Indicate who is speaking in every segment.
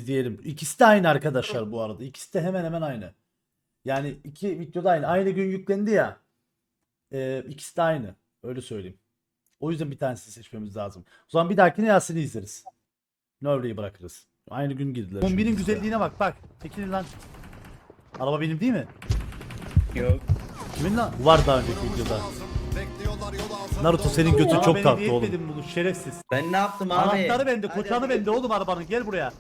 Speaker 1: izleyelim. İkisi de aynı arkadaşlar bu arada. İkisi de hemen hemen aynı. Yani iki videoda aynı. Aynı gün yüklendi ya. İkisi de aynı. Öyle söyleyeyim. O yüzden bir tanesini seçmemiz lazım. O zaman bir dahakine Yasin'i izleriz. Nöbre'yi bırakırız. Aynı gün girdiler. Kombinin güzelliğine bak bak. Çekilin lan. Araba benim değil mi?
Speaker 2: Yok.
Speaker 1: Kimin lan? Var daha önceki videoda. Naruto senin götün çok tatlı oğlum. Bunu şerefsiz.
Speaker 2: Ben ne yaptım abi?
Speaker 1: Anahtarı bende,
Speaker 2: Hadi,
Speaker 1: koçanı
Speaker 2: hadi.
Speaker 1: bende oğlum arabanın. Gel buraya.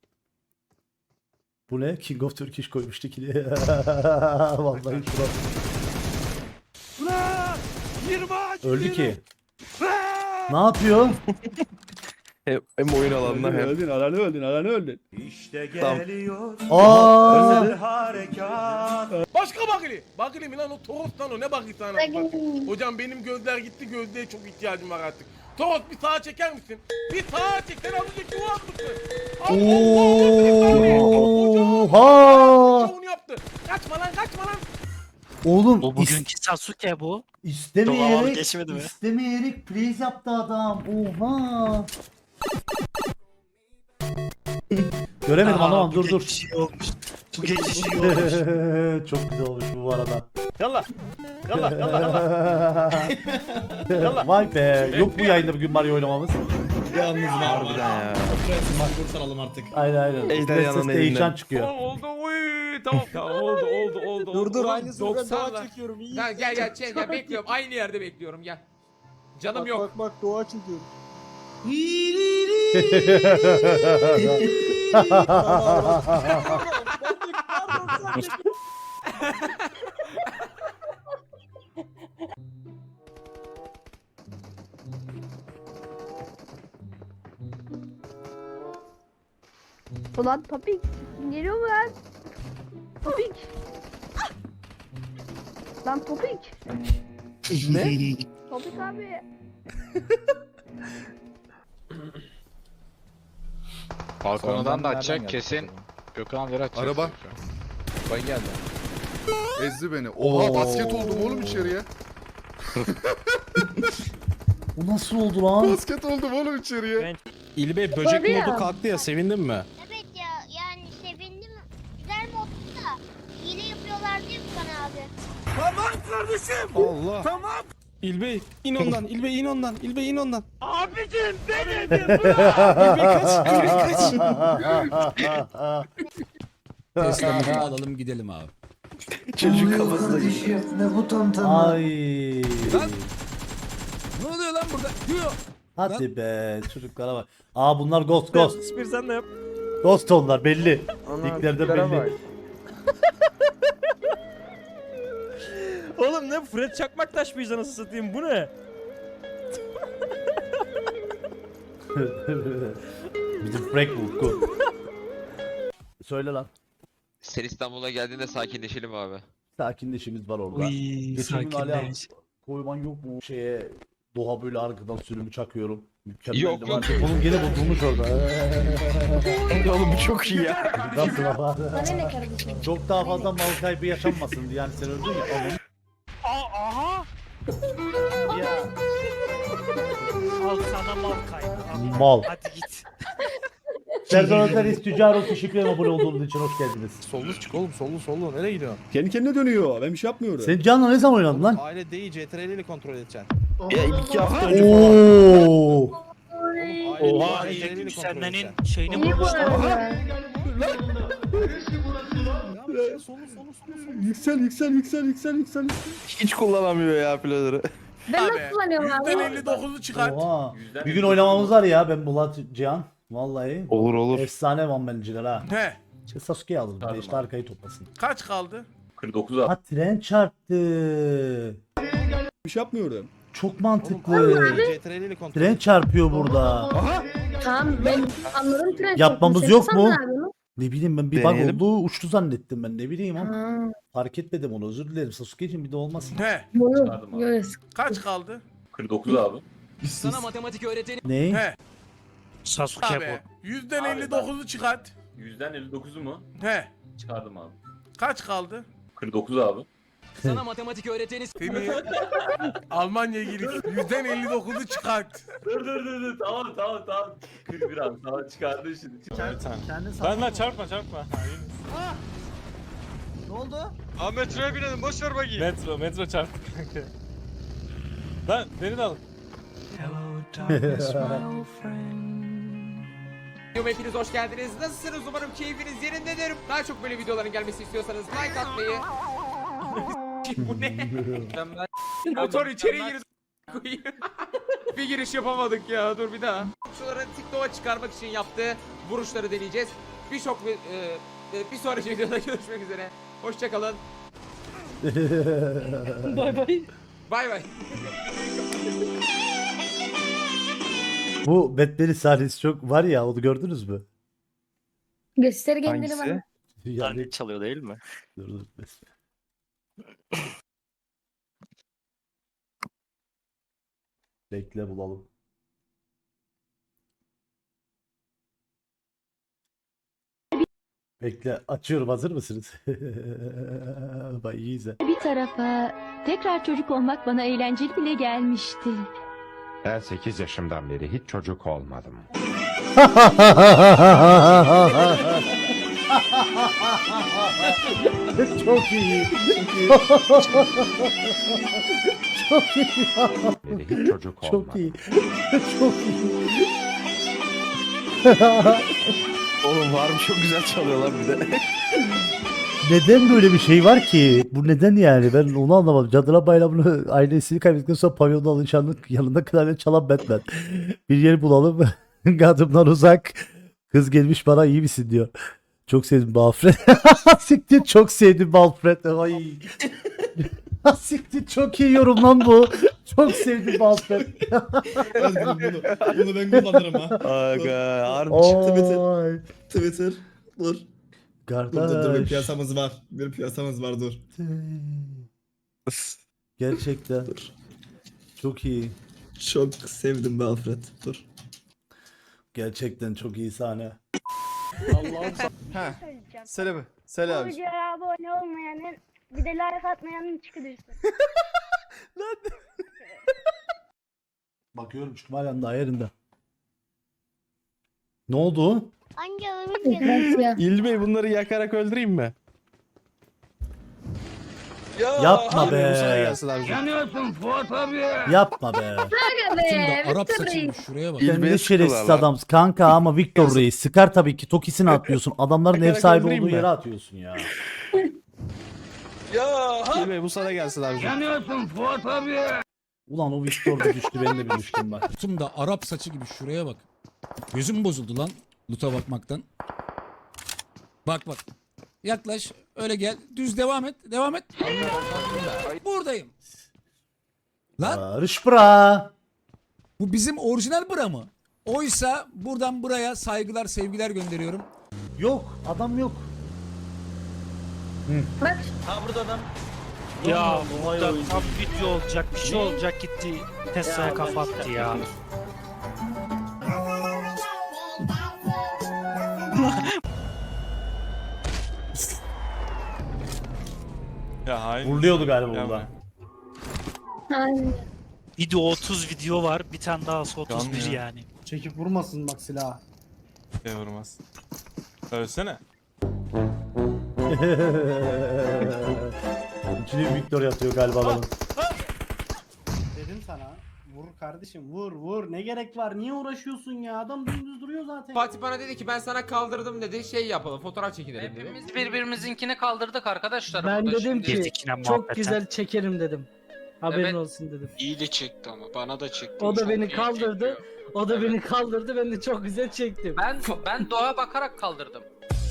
Speaker 1: Bu ne? King of Turkish koymuştu ki. Vallahi şurası. Öldü ki. Ne yapıyor?
Speaker 3: Hem oyun alanına hem.
Speaker 4: Öldün.
Speaker 5: İşte geliyor.
Speaker 1: Aa!
Speaker 5: Harekat.
Speaker 4: Başka bakili. Bakili mi lan o Toros lan o ne bakili sana? Hocam benim gözler gitti, gözlüğe çok ihtiyacım var artık. Toros bir sağa çeker misin? Bir sağa çek, sen az önceki o atmışsın.
Speaker 1: Oha!
Speaker 4: Onu yaptı. Kaçma lan, kaçma lan.
Speaker 1: Oğlum
Speaker 6: Bu bugünkü Sasuke bu. Doğal
Speaker 1: istemeyerek
Speaker 6: geçmedi mi?
Speaker 1: istemeyerek freeze yaptı adam. Oha! Göremedim anlamam dur dur.
Speaker 6: Geçiş iyi olmuş. Bu geçiş iyi olmuş.
Speaker 1: Çok güzel olmuş bu arada.
Speaker 5: Yallah. Yallah yallah yallah.
Speaker 1: Vay be. Yok bu yayında bugün Mario oynamamız.
Speaker 2: Yalnız
Speaker 3: Harbiden ya.
Speaker 2: Makbul saralım artık.
Speaker 1: Aynen aynen.
Speaker 3: Ejder
Speaker 1: Ses
Speaker 3: yanının
Speaker 1: değişen
Speaker 3: elinden.
Speaker 1: çıkıyor.
Speaker 4: Oldu uy tamam. Tamam oldu.
Speaker 7: Dur
Speaker 4: Ulan
Speaker 7: aynısını ben
Speaker 4: 90'lar.
Speaker 7: doğa çekiyorum. İyi.
Speaker 8: Gel bekliyorum. Aynı yerde bekliyorum gel. Canım
Speaker 7: Bak,
Speaker 8: yok.
Speaker 7: bak doğa çekiyorum.
Speaker 9: Ulan Topik geliyor mu lan? Topik. Lan Topik.
Speaker 3: Ne?
Speaker 9: Topik abi.
Speaker 10: Balkonundan da açacak kesin. Gökhan Leri açacak.
Speaker 3: Araba.
Speaker 10: Bay geldi.
Speaker 3: Ezdi beni. Oha basket oldum oğlum içeriye.
Speaker 1: Bu nasıl oldu lan?
Speaker 3: Basket oldum oğlum içeriye.
Speaker 9: İlbe böcek modu
Speaker 6: kalktı ya sevindin mi?
Speaker 9: Evet ya yani sevindim. Güzel moddu da hile yapıyorlar diye bana abi.
Speaker 6: Allah. Tamam. İlbey in ondan. İlbey in ondan. İlbey in ondan.
Speaker 5: Abicim benim.
Speaker 6: İlbey kaç. İlbey kaç.
Speaker 7: Teslamı alalım gidelim abi.
Speaker 3: Çocuk kafasında
Speaker 2: Ne bu tantana?
Speaker 1: Ay.
Speaker 7: Ne oluyor lan burada? Diyor.
Speaker 1: Hadi be çocuklara bak. Aa bunlar ghost.
Speaker 5: Bir sen de yap.
Speaker 1: Ghost onlar belli. Linklerden belli.
Speaker 5: Oğlum ne Fred Çakmaktaş mıyız anasını satayım bu ne?
Speaker 1: Bizim Frank bu. Söyle lan.
Speaker 10: Sen İstanbul'a geldiğinde sakinleşelim abi.
Speaker 1: Sakinleşimiz var orada.
Speaker 6: Uy
Speaker 1: Geçen gün Ali abi
Speaker 6: sakinleş.
Speaker 1: koyman yok mu şeye Doğa böyle arkadan sürümü çakıyorum. Mükemmel.
Speaker 10: Yok, yok.
Speaker 1: Onun gene bozulmuş orada.
Speaker 3: oğlum bu çok iyi ya.
Speaker 1: Nasıl ama?
Speaker 9: Bana ne kardeşim?
Speaker 1: Çok daha fazla mal kaybı yaşanmasın diye yani sen öldün ya. Oğlum.
Speaker 5: Aha.
Speaker 1: Ya.
Speaker 5: Al sana mal kaybı.
Speaker 1: Mal.
Speaker 5: Hadi git.
Speaker 1: Serdar Özer Tüccar teşekkür ederim abone olduğunuz için hoş geldiniz.
Speaker 6: Sollu çık oğlum sollu. Nereye gidiyorsun?
Speaker 4: Kendi kendine dönüyor. Ben bir şey yapmıyorum.
Speaker 1: Sen Can'la ne zaman oynadın lan?
Speaker 6: Aile değil CTRL ile kontrol edeceksin.
Speaker 3: Ya 2 hafta önce
Speaker 1: Oo.
Speaker 5: Oha
Speaker 6: CTRL ile kontrol
Speaker 5: yükselmenin
Speaker 6: edeceksin.
Speaker 5: şeyini
Speaker 9: İyi bu
Speaker 5: bulmuşlar.
Speaker 9: arada.
Speaker 4: Yüksel.
Speaker 3: hiç kullanamıyor ya pilotları.
Speaker 9: Ben
Speaker 4: Abi,
Speaker 9: nasıl kullanıyorum abi?
Speaker 4: %59'u çıkart.
Speaker 1: Oha. Bir gün oynamamız var ya ben Bulat Cihan. Vallahi.
Speaker 3: Olur olur.
Speaker 1: Efsane one ha.
Speaker 4: He.
Speaker 1: İşte Sasuke'yi alır. Bir de işte arkayı toplasın.
Speaker 4: Kaç kaldı?
Speaker 10: 49 abi.
Speaker 1: Ha tren çarptı.
Speaker 4: Bir şey yapmıyorum.
Speaker 1: Çok mantıklı.
Speaker 6: CTRL ile kontrol
Speaker 1: Tren çarpıyor burada.
Speaker 9: Tamam ben anladım tren.
Speaker 1: Yapmamız
Speaker 9: çekti.
Speaker 1: yok
Speaker 9: Sen
Speaker 1: mu?
Speaker 9: ne yapıyorsun?
Speaker 1: Ne bileyim ben bir bug
Speaker 3: Deneyelim.
Speaker 1: oldu uçtu zannettim ben ne bileyim ama
Speaker 9: Ha,
Speaker 1: fark etmedim onu özür dilerim Sasuke için bir de olmasın.
Speaker 4: He.
Speaker 9: bunu yok.
Speaker 4: Kaç kaldı?
Speaker 10: 49 abi.
Speaker 8: Sana matematik öğreteni.
Speaker 1: Ne?
Speaker 4: He.
Speaker 5: Sasuke
Speaker 4: Abi. Yüzden 59'u çıkart.
Speaker 10: %59'u mu?
Speaker 4: He.
Speaker 10: Çıkardım abi.
Speaker 4: Kaç kaldı?
Speaker 10: 49 abi.
Speaker 8: Sana matematik öğreteni
Speaker 4: Seni Almanya'ya girip yüzden 59'u çıkart.
Speaker 2: Dur. Tamam. 41 abi. Tamam çıkardın şimdi.
Speaker 6: Ben çarpma.
Speaker 2: Ne oldu?
Speaker 10: Abi metroya binelim boş ver bakayım.
Speaker 6: Metro çarptı kanka. Lan beni de alın.
Speaker 8: Hepiniz hoş geldiniz. Nasılsınız? Umarım keyfiniz yerindedir. Daha çok böyle videoların gelmesini istiyorsanız like atmayı. Bu ne? Motor içeri girdi. Bir giriş yapamadık ya. Dur bir daha. Şunları TikTok'a çıkarmak için yaptığı vuruşları deneyeceğiz. Bir sonraki videoda görüşmek üzere. Hoşçakalın.
Speaker 5: Bay bay.
Speaker 8: Bay bay.
Speaker 1: Bu Batman'in sahnesi çok var ya, onu gördünüz mü?
Speaker 9: Göster kendini bana.
Speaker 1: Yani
Speaker 5: çalıyor değil mi?
Speaker 1: dur. Bekle bulalım. Bekle açıyorum, hazır mısınız? Bak iyi izle.
Speaker 9: Bir tarafa tekrar çocuk olmak bana eğlenceli bile gelmişti.
Speaker 11: Ben 8 yaşımdan beri hiç çocuk olmadım.
Speaker 1: Çok iyi. Çok iyi.
Speaker 11: Beri hiç çocuk olmadım.
Speaker 1: Çok iyi. Çok iyi.
Speaker 7: Oğlum var mı, çok güzel çalıyorlar bir de.
Speaker 1: Neden böyle bir şey var ki? Bu neden yani? Ben onu anlamadım. Cadılar Bayramı'nı ailesini kaybettikten sonra pavyonda alışanlık yanında klarnet çalan Batman. Bir yer bulalım. Kadımdan uzak. Kız gelmiş bana, iyi misin diyor. Çok sevdim bu Alfred. Siktir, çok sevdim bu Alfred. Ay. Siktir, çok iyi yorum lan bu. Çok sevdim bu Alfred.
Speaker 2: Bunu ben kullanırım ha.
Speaker 7: Aga harbi
Speaker 1: Oy.
Speaker 2: Twitter. Dur. Bir
Speaker 1: Kardeş.
Speaker 2: piyasamız var. Bir piyasamız var dur.
Speaker 1: Gerçekten. Çok iyi.
Speaker 2: Çok sevdim be Alfred. Dur.
Speaker 1: Gerçekten çok iyi sahne.
Speaker 7: Söyle abi.
Speaker 9: videoya abone olmayanın bir de like atmayanın çıkıdırsın.
Speaker 1: Bakıyorum çünkü halen daha yerinde. Ne oldu?
Speaker 9: Hangi oyun
Speaker 6: İlbey bunları yakarak öldüreyim mi?
Speaker 1: Yapma be.
Speaker 7: Gelsin abi.
Speaker 1: Yapma be.
Speaker 7: Arap saçı gibi şuraya bak.
Speaker 1: Sen ne şerefsiz adamsın kanka, ama Victor Reis sıkar tabii ki, Tokisini atıyorsun. Adamların ev sahibi
Speaker 6: öldüreyim
Speaker 1: olduğu
Speaker 6: mi?
Speaker 1: yere atıyorsun ya.
Speaker 7: İlbey bu sana gelsin abi.
Speaker 1: Ulan o Victor da düştü, ben de bir düştüm bak.
Speaker 7: Da Arap saçı gibi şuraya bak. Gözüm bozuldu lan loot'a bakmaktan. Bak. Yaklaş, öyle gel. Düz devam et. Buradayım. Lan
Speaker 1: Barış bra.
Speaker 7: bu bizim orijinal bra mı? Oysa buradan buraya saygılar, sevgiler gönderiyorum.
Speaker 1: Yok, adam yok.
Speaker 5: Ya burada tam video olacak, bir şey olacak, gitti Tesla'ya kafa attı ya.
Speaker 6: Ya hayır.
Speaker 1: Vuruluyordu galiba burada.
Speaker 5: Video 30 video var, bir tane daha 31
Speaker 6: ya.
Speaker 5: yani.
Speaker 6: Çekip vurmasın bak silahı. Vurmaz. Ölsene.
Speaker 1: İçine Victor yatıyor galiba adamın.
Speaker 6: Dedim sana. Vur kardeşim, vur. Ne gerek var? Niye uğraşıyorsun ya? Adam dümdüz duruyor zaten.
Speaker 8: Fatih bana dedi ki ben sana kaldırdım dedi. Şey yapalım, fotoğraf çekinelim dedi.
Speaker 5: Hepimiz birbirimizinkini kaldırdık arkadaşlar.
Speaker 6: Ben
Speaker 5: burada
Speaker 6: dedim
Speaker 5: şimdi.
Speaker 6: ki
Speaker 5: Girdik
Speaker 6: çok güzel çekerim dedim. Haberin
Speaker 5: Evet.
Speaker 6: olsun dedim.
Speaker 10: İyi de çekti ama bana da çekti.
Speaker 6: O da
Speaker 10: Çok
Speaker 6: beni
Speaker 10: iyi
Speaker 6: kaldırdı.
Speaker 10: çekiyor.
Speaker 6: O da beni kaldırdı. Ben de çok güzel çektim.
Speaker 5: Ben doğa bakarak kaldırdım.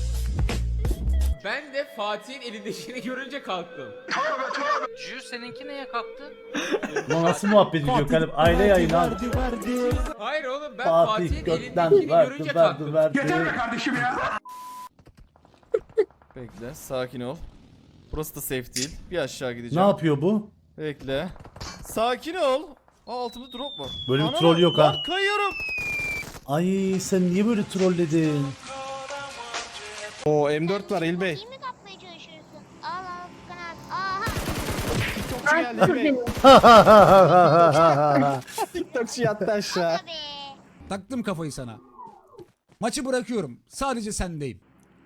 Speaker 8: Ben de Fatih'in elindekini görünce kalktım.
Speaker 5: Jü seninki neye kalktı?
Speaker 1: Ulan nasıl muhabbet ediyor kalem? Aile yayını abi.
Speaker 8: Hayır oğlum ben
Speaker 1: Fatih
Speaker 8: Fatih'in
Speaker 1: götten
Speaker 8: elindekini görünce kalktım.
Speaker 1: verdi.
Speaker 6: Bekle, sakin ol. Burası da safe değil. Bir aşağı
Speaker 1: Ne
Speaker 6: gideceğim.
Speaker 1: yapıyor bu?
Speaker 6: Bekle. Sakin ol. Altımda drop var.
Speaker 1: Böyle bir troll yok ha.
Speaker 6: Lan kayıyorum.
Speaker 1: Ay sen niye böyle trolledin?
Speaker 6: O M4 var İlbey.
Speaker 9: İyi mi kapmaya çalışıyorsun? Al kanat. Aha.
Speaker 6: TikTokçu geldi yemeği. TikTokçu yattı aşağı.
Speaker 9: Aga be.
Speaker 7: Taktım kafayı sana. Maçı bırakıyorum. Sadece sendeyim.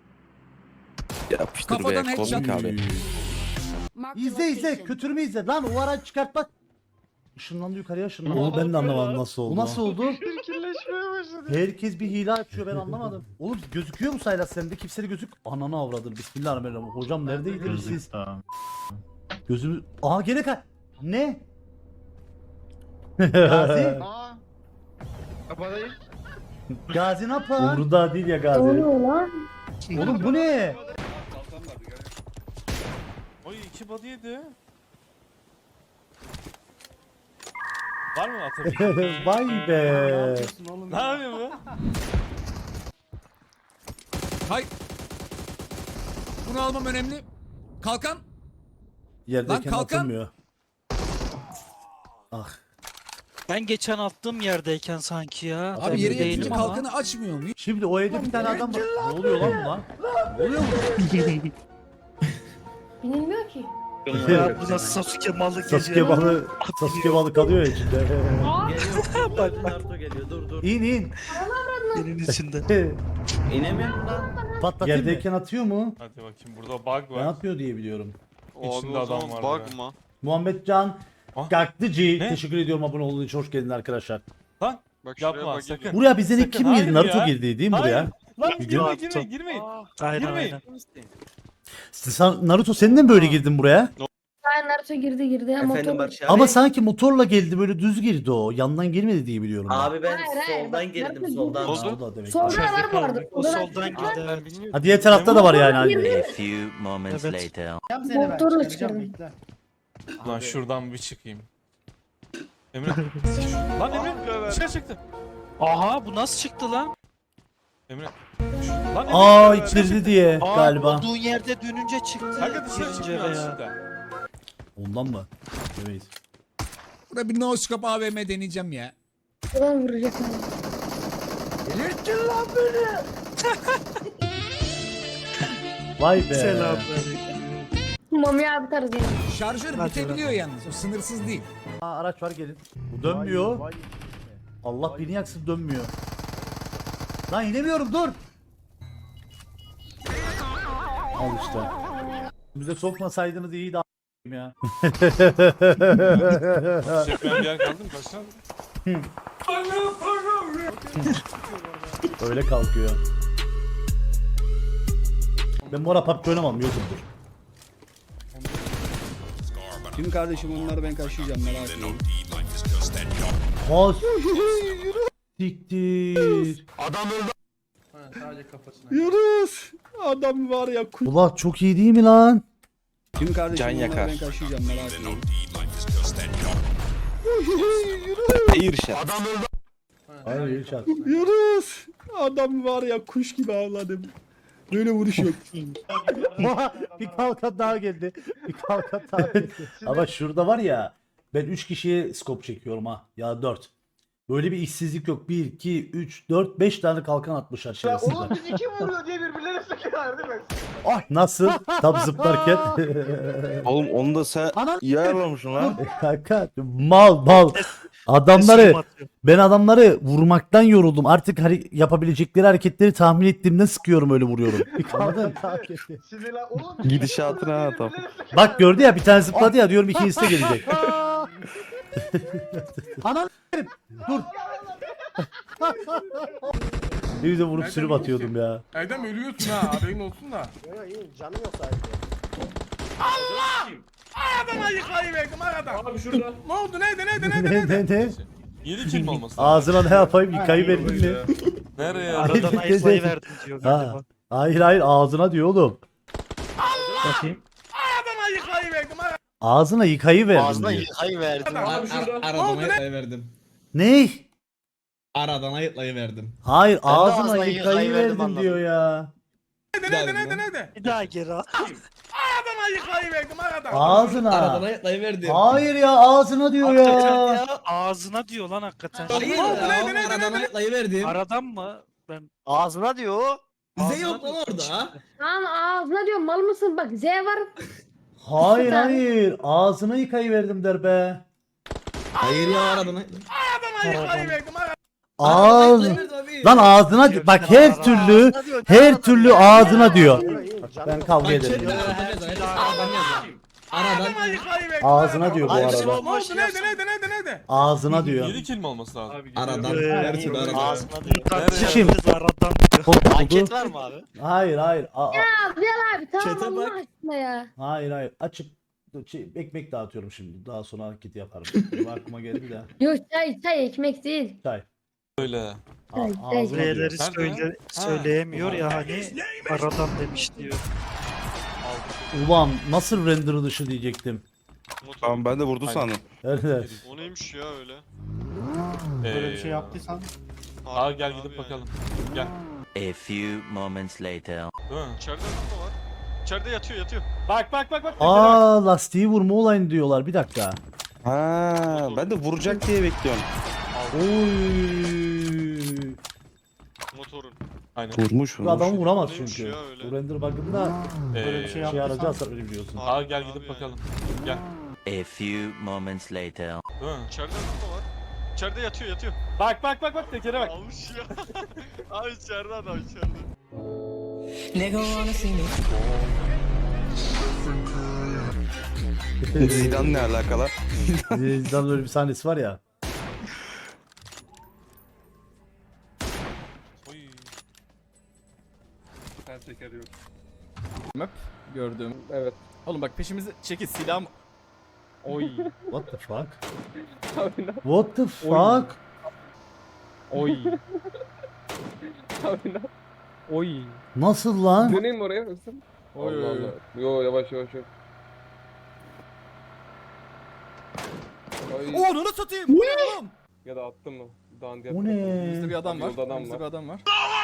Speaker 7: Kafadan headshot.
Speaker 1: İzle izle. Kötürümü izle. Lan o araç çıkart bak. Işınlandı yukarıya ışınlandı. Onu ben de anlamadım nasıl oldu. Bu nasıl oldu? Herkes bir hile açıyor ben anlamadım. Oğlum gözüküyor mu Saylas sende? Kimse de gözük. Ananı avradım. Bismillahirrahmanirrahim. Hocam neredeydiniz siz? Gözümü... Aa gene Ne? Gazi? Gazi ne yapar? Umurunda değil ya Gazi. Oğlum bu ne?
Speaker 4: Oy 2 body yedi. Var mı atabileceğin?
Speaker 1: Vay be.
Speaker 4: Ne yapıyor bu?
Speaker 7: Hay. Bunu almam önemli. Kalkan.
Speaker 1: Yerdeyken
Speaker 7: Lan kalkan.
Speaker 1: atılmıyor. Ah.
Speaker 5: Ben geçen attığım yerdeyken sanki ya.
Speaker 7: Abi yere
Speaker 5: Değilim
Speaker 7: yatınca
Speaker 5: ama.
Speaker 7: kalkanı açmıyor muyum?
Speaker 1: Şimdi o evde bir tane adam var. Ne oluyor lan bu lan? Ne oluyor mu?
Speaker 9: Binilmiyor ki.
Speaker 5: Ya bu da Sasuke malı gece.
Speaker 1: Sasuke balı kalıyor ya içinde.
Speaker 2: Naruto geliyor dur dur.
Speaker 1: İn.
Speaker 5: Benim içinde.
Speaker 2: İnemiyorum lan.
Speaker 1: Patlatayım Yerdeyken atıyor mu?
Speaker 4: Hadi bakayım burada bug
Speaker 1: Ne
Speaker 4: var.
Speaker 1: yapıyor diye biliyorum.
Speaker 4: İçinde adam var. ya.
Speaker 1: Muhammed Can
Speaker 4: Ah.
Speaker 1: Gaklıcı.
Speaker 4: Ne?
Speaker 1: Teşekkür ediyorum abone olduğun için. Hoş geldin arkadaşlar.
Speaker 4: Lan yapma sakın.
Speaker 1: Buraya bizden ilk
Speaker 4: Sakın,
Speaker 1: kim
Speaker 4: hayır
Speaker 1: girdi? Naruto
Speaker 4: ya.
Speaker 1: girdi değil mi
Speaker 4: Hayır.
Speaker 1: buraya?
Speaker 4: Lan
Speaker 1: Gidiyor.
Speaker 4: girmeyin.
Speaker 5: Aynen
Speaker 4: Girmeyin.
Speaker 5: aynen.
Speaker 1: Naruto sen de mi böyle girdin buraya?
Speaker 9: Aynen Naruto girdi.
Speaker 2: Efendim Barış abi.
Speaker 1: Ama sanki motorla geldi böyle düz girdi o. Yandan girmedi diye biliyorum ben.
Speaker 2: Abi ben
Speaker 9: Hayır,
Speaker 2: soldan
Speaker 9: bak,
Speaker 2: girdim
Speaker 9: Naruto
Speaker 2: soldan.
Speaker 1: Ha, o da demek.
Speaker 9: Sonra var bu arada.
Speaker 5: O soldan girdi evet.
Speaker 1: Ha diğer tarafta da var yani. Hani.
Speaker 5: Evet.
Speaker 6: Yap seni ben.
Speaker 9: Motoru
Speaker 6: Çıkaracağım
Speaker 9: çıkardım.
Speaker 6: bekle.
Speaker 4: Lan şuradan bir çıkayım. Emre. Lan Emre dışarı çıktı.
Speaker 5: Aha bu nasıl çıktı lan?
Speaker 4: Emre. Lan Emre.
Speaker 1: Aa içirdi diye
Speaker 5: Aa,
Speaker 1: galiba.
Speaker 5: olduğun yerde dönünce çıktı.
Speaker 4: Kanka dışarı
Speaker 5: Girince
Speaker 4: çıkmıyor
Speaker 5: veya.
Speaker 4: aslında.
Speaker 1: Ondan mı? Demeyiz.
Speaker 7: Burada bir no scope AVM deneyeceğim ya.
Speaker 9: Buradan vuracak.
Speaker 1: Vay be.
Speaker 5: Selam.
Speaker 9: Mami abi tarzı yani.
Speaker 7: Şarjör bitebiliyor yalnız. O sınırsız değil.
Speaker 1: Aa, araç var gelin. Bu dönmüyor. Allah beni yaksın dönmüyor. Lan inemiyorum dur. Al işte. Bize sokmasaydınız iyiydi a**ayım ya.
Speaker 4: Çekmeyen bir yer kaldı mı? Kaçtan?
Speaker 1: Öyle kalkıyor. Ben bu ara PUBG oynamam YouTube'dur.
Speaker 6: Tüm kardeşim onları ben kaşıyacağım merak etme.
Speaker 1: Ha siktir.
Speaker 6: Sadece kafasına. Yunus! Adam var ya
Speaker 1: Ulan çok iyi değil mi lan?
Speaker 6: Tüm kardeşim onları ben kaşıyacağım merak etme.
Speaker 1: Hayır şart.
Speaker 6: Yunus! Adam var ya kuş gibi avladım. Böyle vuruş yok.
Speaker 1: Bir kalkan daha geldi. Bir kalkan daha geldi. Ama şurada var ya ben 3 kişiye scope çekiyorum ha. Ya 4. Böyle bir işsizlik yok. 1, 2, 3, 4, 5 tane kalkan atmışlar şerefsizler.
Speaker 2: Oğlum biz iki vuruyor diye birbirlerine sıkıyorlar değil mi?
Speaker 1: Nasıl? Tam zıplarken.
Speaker 12: Oğlum onu da sen iyi ayarlamışsın lan.
Speaker 1: Kanka mal. Adamları ben adamları vurmaktan yoruldum. Artık yapabilecekleri hareketleri tahmin ettiğimden sıkıyorum öyle vuruyorum. Bir kalkan daha geldi.
Speaker 2: Sinirlen oğlum.
Speaker 12: Gidişatına ha tam.
Speaker 1: Bak gördü ya bir tane zıpladı ya diyorum ikincisi de gelecek. Anam dur. Ne güzel vurup sürüp atıyordum ya.
Speaker 4: Erdem ölüyorsun ha haberin olsun da.
Speaker 2: Canım yok sadece.
Speaker 4: Aradan ayıklayıverdim aradan.
Speaker 2: Abi şurada.
Speaker 4: Ne oldu neydi?
Speaker 1: Ne?
Speaker 4: 7 kill mi olması lazım?
Speaker 1: Ağzına ne yapayım yıkayı verdim mi?
Speaker 4: Nereye?
Speaker 5: Aradan ayıklayıverdim diyor
Speaker 1: Ha.
Speaker 5: galiba.
Speaker 1: Hayır ağzına diyor oğlum. Bakayım.
Speaker 4: Aradan ayıklayıverdim aradan.
Speaker 1: Ağzına yıkayı verdim diyor.
Speaker 12: yıkayı verdim.
Speaker 4: Abi şurada.
Speaker 6: Aradan ayıklayıverdim.
Speaker 1: Ne?
Speaker 6: Aradan ayıklayıverdim.
Speaker 1: Hayır
Speaker 12: Ben de
Speaker 1: ağzına
Speaker 12: ağzına
Speaker 1: yıkayı
Speaker 12: yıkayı verdim
Speaker 1: verdim diyor ya.
Speaker 4: Nerede?
Speaker 5: Bir daha geri al.
Speaker 4: Aradan ayıklayıverdim aradan.
Speaker 1: Ağzına.
Speaker 6: ayıklayıverdim.
Speaker 1: Hayır ya ağzına diyor
Speaker 5: Hakikaten
Speaker 1: ya.
Speaker 5: ya. Ağzına diyor lan hakikaten.
Speaker 6: Hayır aradan ayıklayıverdim.
Speaker 5: Aradan mı? Ben
Speaker 12: Ağzına diyor.
Speaker 6: Bize
Speaker 5: Ağzına
Speaker 6: yok lan
Speaker 5: diyor.
Speaker 6: orada.
Speaker 9: Lan ağzına diyorum mal mısın bak Z var.
Speaker 1: Hayır hayır. Ağzına yıkayıverdim der be.
Speaker 6: Hayır ya aradın.
Speaker 4: Adama yıkayıverdim.
Speaker 1: Ağız. Lan ağzına bak her türlü ağzına diyor. Bak, ben kavga ederim.
Speaker 4: Adama yıkayıverdim.
Speaker 1: Ağzına diyor bu
Speaker 4: Ne
Speaker 1: arada.
Speaker 4: oldu? Nerede?
Speaker 1: Ağzına diyor.
Speaker 2: 7 kill mi olması lazım?
Speaker 6: Aradan.
Speaker 5: Her
Speaker 6: türlü aradan.
Speaker 5: Ağzına diyor.
Speaker 1: Kim?
Speaker 5: Aradan diyor.
Speaker 1: Anket
Speaker 5: var mı abi?
Speaker 1: Hayır hayır.
Speaker 9: Bilal abi tamam
Speaker 6: Çete
Speaker 9: Allah
Speaker 6: bak.
Speaker 9: aşkına ya.
Speaker 1: Hayır hayır. Açık ekmek dağıtıyorum şimdi. Daha sonra anket yaparım. Aklıma geldi de.
Speaker 9: Yok çay ekmek değil.
Speaker 1: Çay.
Speaker 2: Öyle.
Speaker 1: Ağzına diyor.
Speaker 5: B'leri söyleyemiyor ya hani aradan demiş diyor.
Speaker 1: Ulan nasıl render dışı diyecektim.
Speaker 12: Tamam ben de vurdu sandım.
Speaker 1: Evet.
Speaker 10: O neymiş ya öyle?
Speaker 6: Böyle bir şey yaptıysan.
Speaker 2: Gel gidip bakalım. Gel.
Speaker 11: A few moments later.
Speaker 2: Değil mi?
Speaker 10: İçeride ne var? İçeride yatıyor.
Speaker 2: Bak.
Speaker 1: Aa lastiği vurma olayını diyorlar. Bir dakika.
Speaker 12: Ha, ben de vuracak diye bekliyorum.
Speaker 1: Oy.
Speaker 10: Motorun.
Speaker 2: Aynen.
Speaker 12: Vurmuş
Speaker 1: Bu adam vuramaz
Speaker 10: Neymiş
Speaker 1: çünkü.
Speaker 10: ya öyle?
Speaker 1: Bu render bug'ında
Speaker 6: Böyle bir şey
Speaker 1: şey aracı
Speaker 6: yaptıysan.
Speaker 1: hasar öyle biliyorsun.
Speaker 2: Gel gidip bakalım. Gel.
Speaker 11: A few moments later.
Speaker 2: Değil mi?
Speaker 10: İçeride ne var? İçeride yatıyor.
Speaker 2: Bak tekere bak.
Speaker 10: Almış ya. Abi içeride adam içeride.
Speaker 12: Zidane ne alakalı?
Speaker 1: Zidane'ın öyle bir sahnesi var ya.
Speaker 6: Gördüm. Evet. Oğlum bak peşimizi çekil silahım. Oy.
Speaker 1: What the fuck? What the fuck?
Speaker 6: Oy. Oy.
Speaker 1: Nasıl lan?
Speaker 6: Döneyim mi oraya mısın? Allah Allah. Yo yavaş. Onu satayım. Bu ne oğlum? Ya da attım mı? Dağın diğer
Speaker 1: O ne?
Speaker 6: Bizde bir adam var. Bizde bir adam var.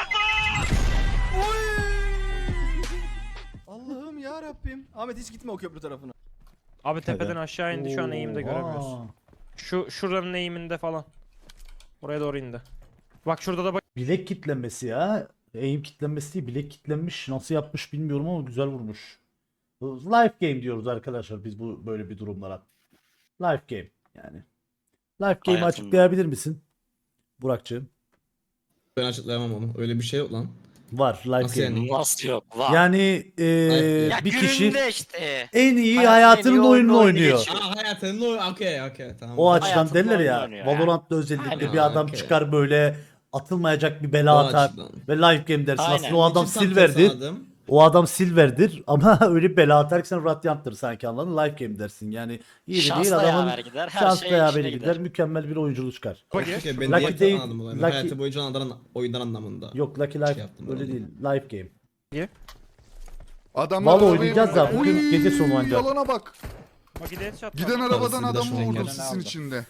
Speaker 6: Allah'ım ya Rabbim. Ahmet hiç gitme o köprü tarafına.
Speaker 5: Abi tepeden aşağı indi şu an eğimde göremiyoruz. Şuranın eğiminde falan. Oraya doğru indi. Bak şurada da bak.
Speaker 1: Bilek kitlenmesi ya. Aim kitlenmesi değil, bilek kitlenmiş. Nasıl yapmış bilmiyorum ama güzel vurmuş. Life game diyoruz arkadaşlar biz bu böyle bir durumlara. Life game yani. Life game'i açıklayabilir misin? Burak'cığım.
Speaker 6: Ben açıklayamam onu. Öyle bir şey yok lan.
Speaker 1: Var life game.
Speaker 5: Nasıl yok? Var.
Speaker 1: Yani
Speaker 5: Ya
Speaker 1: bir kişi
Speaker 5: gününde işte.
Speaker 1: en iyi
Speaker 5: Hayatının
Speaker 1: hayatının
Speaker 5: en iyi
Speaker 1: oyununu
Speaker 5: oyununu
Speaker 1: oynuyor.
Speaker 5: geçiyor.
Speaker 6: Hayatının okey tamam.
Speaker 1: O açıdan
Speaker 5: Hayatının
Speaker 1: derler
Speaker 5: oyununu
Speaker 1: ya.
Speaker 5: oynuyor
Speaker 1: Valorant'ta özellikle
Speaker 5: Aynen,
Speaker 1: bir adam
Speaker 6: okey.
Speaker 1: çıkar böyle atılmayacak bir bela atar ve life game dersin.
Speaker 5: Aynen.
Speaker 1: Aslında o adam silver'dir. O adam silver'dir ama öyle bir bela atar ki sen Radiant'tır sanki, anladın? Life game dersin. Yani iyi de değil adamın
Speaker 5: gider.
Speaker 1: şans beraber gider. Mükemmel bir oyuncu çıkar.
Speaker 6: Ben
Speaker 1: Lucky değil. Lucky...
Speaker 6: Hayatı boyunca oyundan anlamında.
Speaker 1: Yok Lucky Life
Speaker 6: yaptım
Speaker 1: öyle
Speaker 6: ben.
Speaker 1: değil. Life game.
Speaker 3: Adamlar
Speaker 1: Valla
Speaker 3: arabayı
Speaker 1: oynayacağız da
Speaker 3: vurdu.
Speaker 1: bugün
Speaker 3: Oy,
Speaker 1: gece sonu ancak.
Speaker 3: Yalana bak.
Speaker 5: Bak headshot.
Speaker 3: Giden arabadan
Speaker 6: Parasını da
Speaker 3: adamı
Speaker 6: şuradan
Speaker 3: vurdum
Speaker 6: gelen
Speaker 3: sisin
Speaker 6: aldı.
Speaker 3: içinde.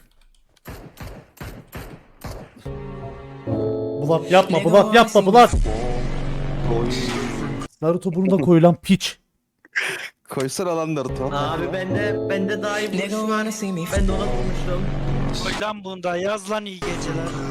Speaker 1: Bulat yapma, Bulat yapma, Bulat. Naruto burnuna koyulan piç.
Speaker 12: Koysana lan Naruto.
Speaker 8: Abi bende daha iyi vuruş var. Ben de ona vurmuştum.
Speaker 5: Lan bunda yaz lan iyi geceler.